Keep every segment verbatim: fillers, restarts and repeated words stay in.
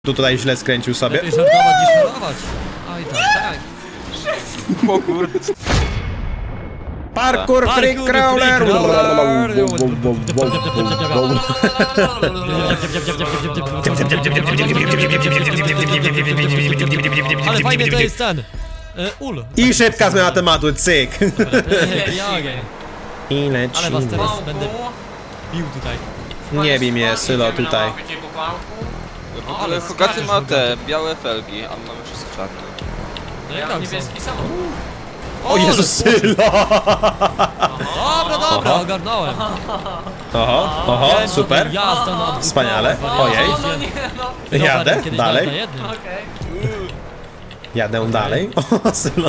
Tu tutaj źle skręcił sobie. Lepiej żartować niż szorować. Oj tak, tak. O kurde. Parkour Freak Parkour Crawler! Freak Crawler. Ale fajnie to jest ten. E, ul. I szybka zmiana tematu, cyk! I Ale was lecimy. teraz będę bił tutaj. Nie bij mnie, Sylo, tutaj. W ogóle Hogaty ma te białe felgi, a my mamy wszystko czarne. No Ja jak mam tam są? niebieski samochód. O Jezus, Sylo! Dobra, dobra, ogarnąłem. Oho, oho, Wiem, co to super. Jazda na dwóch Wspaniale. kołach, Ojej. No, no nie, no. Dobra, Jadę, kiedyś dalej. nawet na jednym. Okej. Jadę dalej. O, Sylo.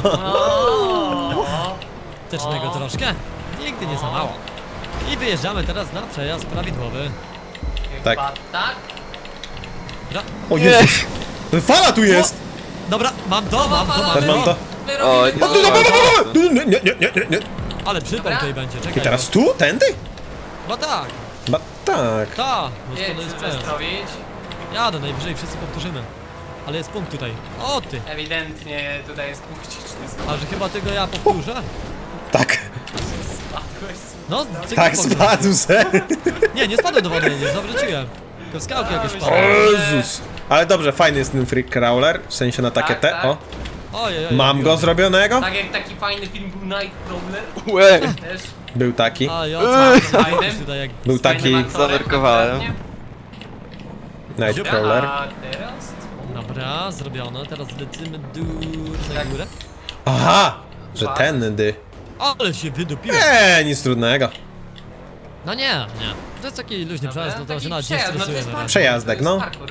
O, Tecznego troszkę. Nigdy nie za mało. I wyjeżdżamy teraz na przejazd prawidłowy. Tak. chyba tak? Dobra. O Jezus! Fala tu jest! Dobra, mam to, mam to, Też mam mam to. to. O, Wyrobimy nie, O, tu, dobra, tu, tu, nie, nie, nie, nie, nie. Ale przypał tutaj będzie, czekaj. I teraz tu? Tędy? No tak, Ba, tak. tak. Bo Jedź, to jest przejazd. Sylwestrowić. Jadę, najwyżej wszyscy powtórzymy. Ale jest punkt tutaj. O ty! Ewidentnie tutaj jest punkciczny. A że chyba tego ja powtórzę? Tak. Spadłeś. No, cyk, Tak, powtórzę. spadł se. Nie, nie spadłem do wody, nie zawróciłem. Tylko skałki jakieś O padły. Jezus. Ale dobrze, fajny jest ten Freak Crawler, w sensie na takie Tak, te, tak. o. Ojej, ojej, Mam go ojej. zrobionego? Tak jak taki fajny film był Nightcrawler. Łe. Też. Był taki. A ja co? Fajnym. Tutaj jak... Był taki Fajnym aktorem, Zanerkowałem. dokładnie. Nightcrawler. A teraz? Dobra, zrobione. Teraz lecimy dur na Tak. górę. Aha! Że tędy. Ale się wydupiłem. Eee, nic trudnego. No nie, nie. To jest taki luźny Dobra, przejazd, no to taki się nawet nie przejazd, no to stresuje jest na razie. Przejazdek, To jest no. parkour.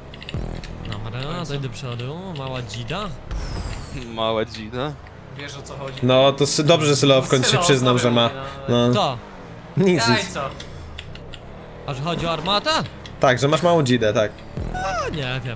Dobra, daj do przodu, mała dzida. Mała dzida. Wiesz o co chodzi. No to sy- dobrze, że Sylo w końcu się Sylo przyznał, że ma. no. No, To, nic, Daj nic. co? a że chodzi o armatę? Tak, że masz małą dzidę, tak. A nie wiem.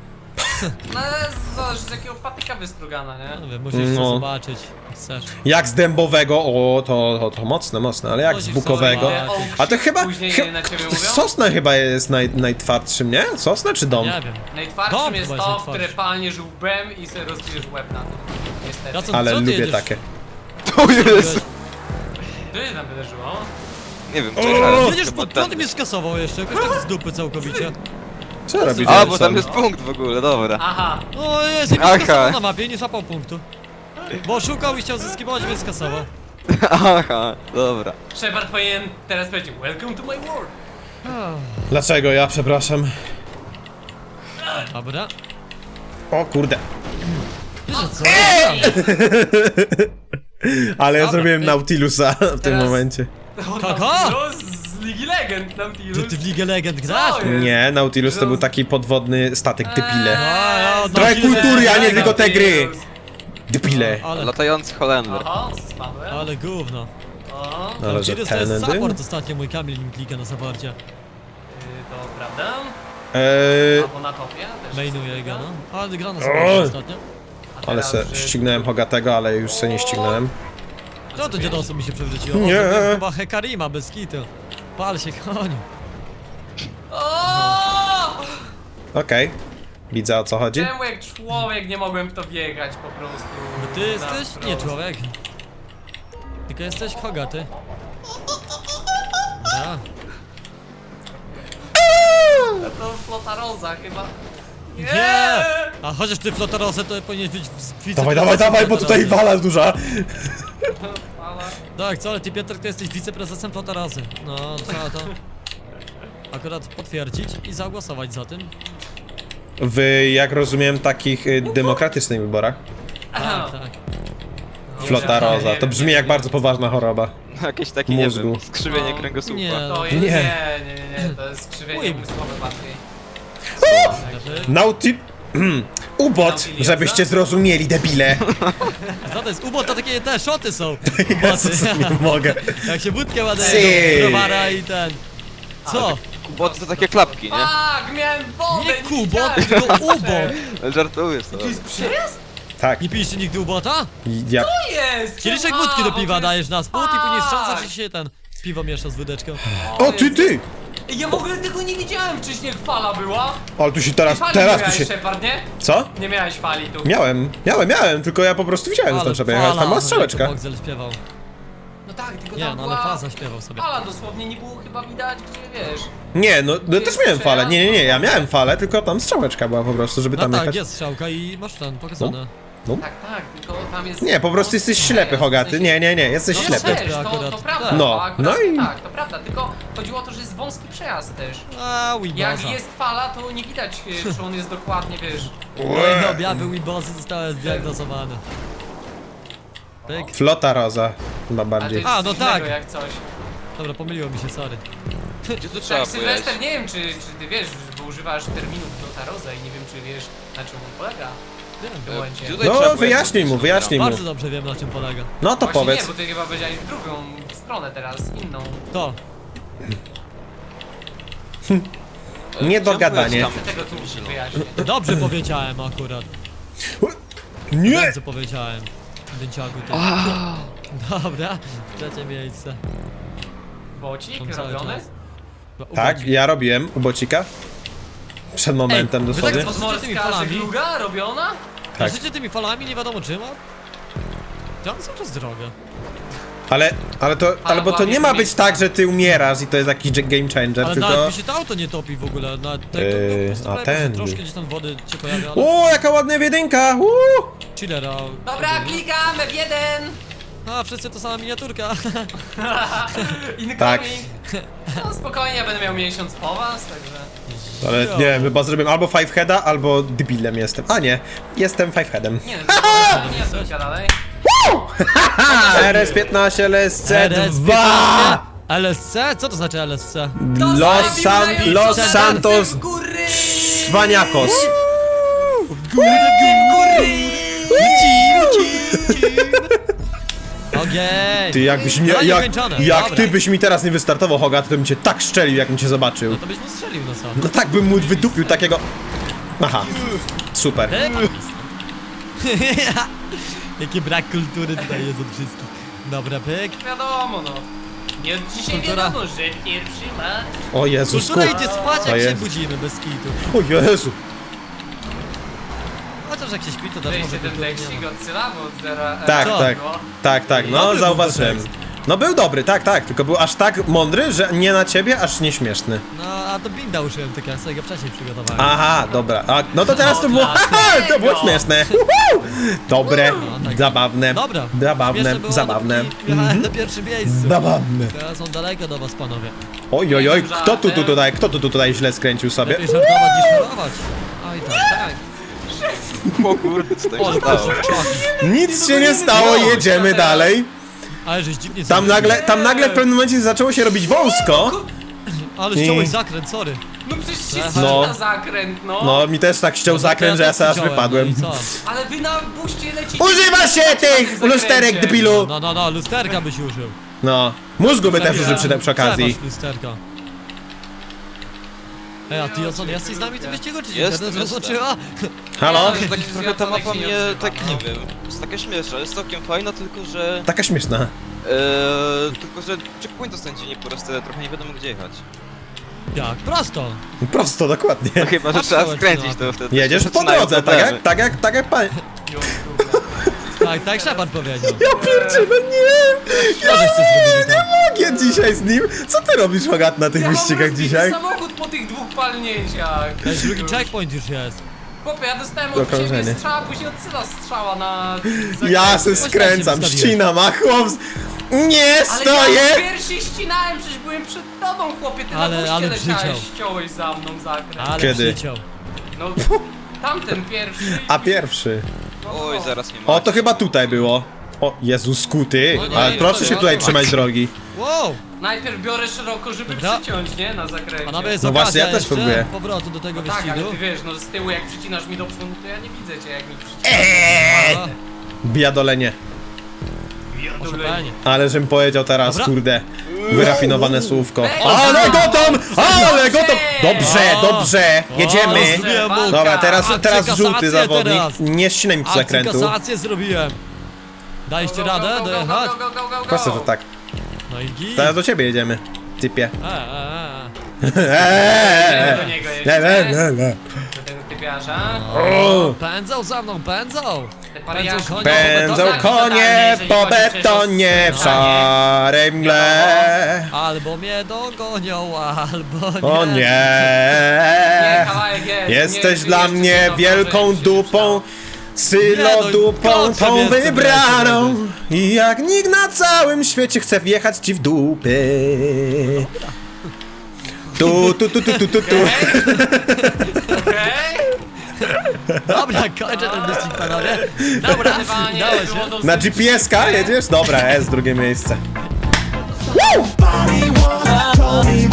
No ale zależy z jakiego patyka wystrugana, nie? No wiem, musisz No. to zobaczyć. Chcesz. Jak z dębowego, o, to, to, to mocne, mocne, ale jak z Musisz bukowego. sobie Ale ołów A to chyba, później chy- na ciebie mówią? sosna chyba jest naj, najtwardszym, nie? Sosna czy dom? Nie wiem. Najtwardszym Dom jest chyba jest to, najtwardszy. które palnie żółbem i sobie rozbijesz łeb na tym. Niestety. Ja co- Ale co ty lubię jedziesz? takie. To jest. To jest nam wydarzyło. Nie wiem, O! czekaj. Jedziesz chyba pod prąd i ten- mnie skasował jeszcze, jakoś tak z dupy całkowicie. Co robisz? A, bo tam Jackson? jest punkt w ogóle, dobra. Aha. O jest, i mnie Aha. skasował na mapie i nie złapał punktu. Bo szukał i chciał zyskiwać, więc skasował. Aha, dobra. Shepard powinien teraz powiedzieć Welcome to my world. Dlaczego ja, przepraszam? Dobra. O kurde. Wiesz co? Ale ja Dobra, zrobiłem ej. Nautilusa w tym Teraz- momencie. Kogo? Nautilus z Ligi Legend, Nautilus. Ty, ty w Ligę Legend grasz? Co jest? Nie, Nautilus to był taki podwodny statek, debile. A, ja, Trochę Nautilus kultury, jest a nie mega. tylko te gry. Nautilus. Debile. Ale, Latający Holender. Aha, spadłem. ale gówno. O, Ale że Nautilus to jest tędy? support ostatnio, mój Kamil mi klika na supporcie. y, to prawda? Eee, Albo na topie też. Mainuje go, no. Ale gra na O! supporcie ostatnio. A ale teraz, se że- ścignąłem Hogatego, ale już se nie ścignąłem. No to dziadosów mi się przewróciło. Nie. Nie. Chyba Hekarima bez kitu. Pal się, koniu. O! Okej. Widzę, o co chodzi. Czemu jak człowiek nie mogłem w to wjechać po prostu? Bo ty Na jesteś? wprost. Nie człowiek. Tylko jesteś Hogaty. Dobra. To flota roza chyba. Nie! Nie! A chociaż ty flotorosę to powinieneś być w wiceprezesem Dawaj, dawaj, dawaj, bo tutaj Flotorosy. wala duża. Ale... Tak, co, ale ty Piotr, to jesteś wiceprezesem Flotorosy. No, trzeba to akurat potwierdzić i zagłosować za tym. W, jak rozumiem, takich y, demokratycznych wyborach. Tak, tak. Flota roza. To brzmi jak bardzo poważna choroba. Jakieś takie, nie Mózgu. wiem, skrzywienie No, kręgosłupa. nie. To jest, Nie. nie. nie, nie, nie, to jest skrzywienie Uj. umysłowe bardziej. Lepiej. Nauti... Ubot, Nautiliusa? żebyście zrozumieli, debile. Co to jest? Ubo to takie te szoty są. Jezus, nie mogę. Jak się wódkę ładuje Cyk. do browara i ten. Co? Kuboty to takie klapki, nie? Tak, miałem wodę! Nie kubot, widziałem. tylko ubot. Żartuję sobie. To jest przejazd? Tak, Nie piliście nigdy ubota? ja... To jest! Kieliszek A, wódki do bo to piwa jest- dajesz na spód i później Tak. strząsasz i się ten piwo miesza z wódeczką. O, ty, ty! Ja w ogóle tego nie widziałem wcześniej, jak fala była. Ale tu się teraz, Fali teraz nie tu miałeś, się... Shepard, nie? Co? Nie miałeś fali tu. Miałem, miałem, miałem, tylko ja po prostu widziałem, że tam trzeba jechać, tam była strzałeczka. Boxel śpiewał. No tak, tylko Nie, tam no była... ale faza śpiewał sobie. Fala dosłownie, nie było chyba widać, gdzie wiesz. Nie, no, no też jest miałem falę, przejazd? nie, nie, nie, ja miałem falę, tylko tam strzałeczka była po prostu, żeby No tam tak, jechać. jest strzałka i masz ten pokazane. No. Tak, tak, tylko tam jest... Nie, po prostu jesteś ślepy, Hogaty, nie, nie, nie, jesteś No ślepy. też, to, akurat. to prawda, Tak. No, to akurat, no i- tak, to prawda, tylko chodziło o to, że jest wąski przejazd też. A, Jak Weeboza. jest fala, to nie widać, e, czy on jest dokładnie, wiesz... Kolejne objawy Weebozy zostały zdiagnozowane. Pyk. Flota roza, chyba Ale to bardziej. jest A, no coś innego tak. jak coś. Dobra, pomyliło mi się, sorry. Gdzie tu trzeba Tak, pojechać? Sylwester, nie wiem, czy, czy ty wiesz, bo używasz terminów Flotaroza i nie wiem, czy wiesz, na czym on polega w tym Wiem. momencie. Gdzie tutaj trzeba No, pojechać? wyjaśnij mu, wyjaśnij mu. Bardzo dobrze wiem, na czym polega. No to Właśnie powiedz. nie, bo ty chyba powiedziałeś w drugą stronę teraz, inną. To. Niedogadanie. Tam. Chcę tego tu wyjaśnię. Dobrze powiedziałem akurat. Nie! Wiem, co powiedziałem. Dęciaku ty. Dobra, trzecie miejsce. Bocik Są cały robiony? czas. Bo Tak, uchodzi. ja robiłem u Bocika. Przed momentem wy tak dosłownie. spo- Patrzycie tymi Morska falami? żegluga robiona? Tak. Życie tymi falami nie wiadomo czym, a... Tam cały czas drogę. Ale, ale to, ale bo to nie ma być tak, że ty umierasz i to jest jakiś game changer, Ale tylko... nawet mi się to auto nie topi w ogóle, nawet tego, Yy, po prostu a prawie ten. troszkę gdzieś tam wody się pojawia, ale O, jaka ładna jedynka! Uuu! chillera. Dobra, klikam F jeden! A, wszyscy to sama miniaturka. Incoming! Tak. No spokojnie, ja będę miał miesiąc po was, także... Ale Jo. nie wiem, chyba zrobię albo five heada, albo debilem jestem. A nie, jestem five headem. Nie, no to miniaturka dalej. R S piętnaście L S C R S dwa! piętnaście L S C? Co to znaczy L S C? Los, San, Los Santos W góry! Szwaniakos. Okej. Ty jakbyś mnie, Zadanie jak, kończone. jak Dobra. ty byś mi teraz nie wystartował, Hogat, to bym cię tak szczelił, jak bym cię zobaczył. No to byś mu strzelił, no co? No tak bym mu wydupił takiego... Aha, super. Ty? Jaki brak kultury tutaj jest od wszystkich. Dobra, pyk. Wiadomo, no. Nie od dzisiaj Kultura. wiadomo, że pierwszy ma... O Jezus, Kultura kur... idzie spać, To jak się jest. budzimy, bez kitu. O Jezu. Chociaż jak się śpi, to też Weźcie może ten kultury nie tekstik ma. od Syla, bo od zera... Tak, Co? tak, No. tak, tak, no Dobry był zauważyłem. ten tekst. No był dobry, tak, tak, tylko był aż tak mądry, że nie na ciebie, aż nieśmieszny. No, a to binda uszyłem, tylko ja sobie go wcześniej przygotowałem. Aha, dobra, a, no to teraz to było, haha, to było śmieszne. Uhu. Dobre, No, tak. zabawne, Dobra. zabawne, Śmieszne było, zabawne. dopóki Jechałem na pierwszym miejscu. Zabawne. Teraz są daleko do was, panowie. Oj, oj, oj, kto tu, tu tutaj, kto tu, tu tutaj źle skręcił sobie? Lepiej żartować niż chorować. Oj, tak, tak. O kurde, co to O, się stało? czaki. Nic się nie stało, jedziemy dalej. Ale żeś dziwnie Tam zrobił. nagle, tam nagle w pewnym momencie zaczęło się robić wąsko. Ale I- ściąłeś zakręt, sorry. No przecież się No. no. zakręt, no. No, mi też tak ściął No, zakręt, że ja też sobie aż widziałem, wypadłem. No i co? Ale wy na buście lecicie... Używa się tych zakręcie. lusterek, debilu! No, no, no, lusterka byś użył. No, mózgu by też użył przy, przy okazji. Trzeba lusterka. Ej, a ty Oson, jesteś z nami w tym wyścigu, czy nie? Jestem, Będę jestem. zaznaczyła? Halo? Że tak, trochę ta mapa się nie mnie, odzywa. tak nie wiem, jest taka śmieszna, jest całkiem fajna, tylko że... Taka śmieszna. Eee, tylko że checkpoint dostępnie nie po raz tyle, trochę nie wiadomo gdzie jechać. Jak? Prosto. Prosto, dokładnie. No chyba, że Patrz, trzeba zobacz, skręcić no. to wtedy. Jedziesz się po zaczynają drodze, tak problemy. jak, tak jak, tak jak pan... Tak, tak Shepard powiedział. Ja pierdzielę, nie! Co żeście zrobili tam? Mogę dzisiaj z nim? Co ty robisz, Hogat, na tych Ja mam wyścigach rozbity dzisiaj? samochód po tych dwóch palnięciach. To jest drugi checkpoint już jest. Chłopie, ja dostałem Do od ciebie krążenia. strzała, później od Syla strzała na... Ja se skręcam, ścinam, a chłop... z- Nie Ale ja stoję! pierwszy ścinałem, przecież byłem przed tobą, chłopie, ty Ale- na buście ale leciałeś, przyciął. ściąłeś za mną zakręt. Ale Kiedy? przyciął. No, tamten pierwszy. A pierwszy. Oj, zaraz nie ma. O, to chyba tutaj było. O, Jezus, skuty. No nie, Ale nie, proszę to się ja tutaj to- trzymać drogi. Wow! Najpierw biorę szeroko, żeby Dobra. przyciąć, nie? Na zakręcie. Panowie, jest No okazja właśnie, ja też jeszcze próbuję. powrotu do tego No tak, ale wyścigu. ty wiesz, no z tyłu jak przycinasz mi do przodu, to ja nie widzę cię jak mi przycinasz. Eee! A, Biadolenie. Proszę panie. Ale żem powiedział teraz, Dobra. kurde, wyrafinowane słówko. Ej, Ale o, go tam! Ale go tam! Dobrze, O, dobrze, jedziemy! O, zrobiłem mu. Dobra, teraz, Akcję teraz żółty kasację zawodnik. teraz. Nie ścinaj mi tu zakrętu. Kasację zrobiłem. Daliście radę dojechać? Go, go, go, go, go, Proszę, to tak. No i git. Teraz do ciebie jedziemy, typie. E, e, e. Eee, Do niego le, le, jeszcze. le, le. Do tego typiarza. O, pędzą za mną, pędzą! Te Pędzą pariaszki. konie Pędzą po betonie. konie po Jeżeli chodzi betonie w przez szarej mgle. Albo mnie dogonią, albo nie. O Nie, nie! kawałek jest. Jesteś nie, dla jeszcze mnie jedno wielką wrażenie się dupą, sylodupą, koksem tą jestem, wybraną. jestem. I jak nikt na całym świecie chce wjechać ci w dupy. Tu, tu, tu, tu, tu, tu, tu. Okej? Dobra, kończę ten wyścig, panowie. Dobra, Zdecydowanie dało było się. dosyć Na G P S ka szybkie. jedziesz? Dobra, jest drugie miejsce. Body wanna, told me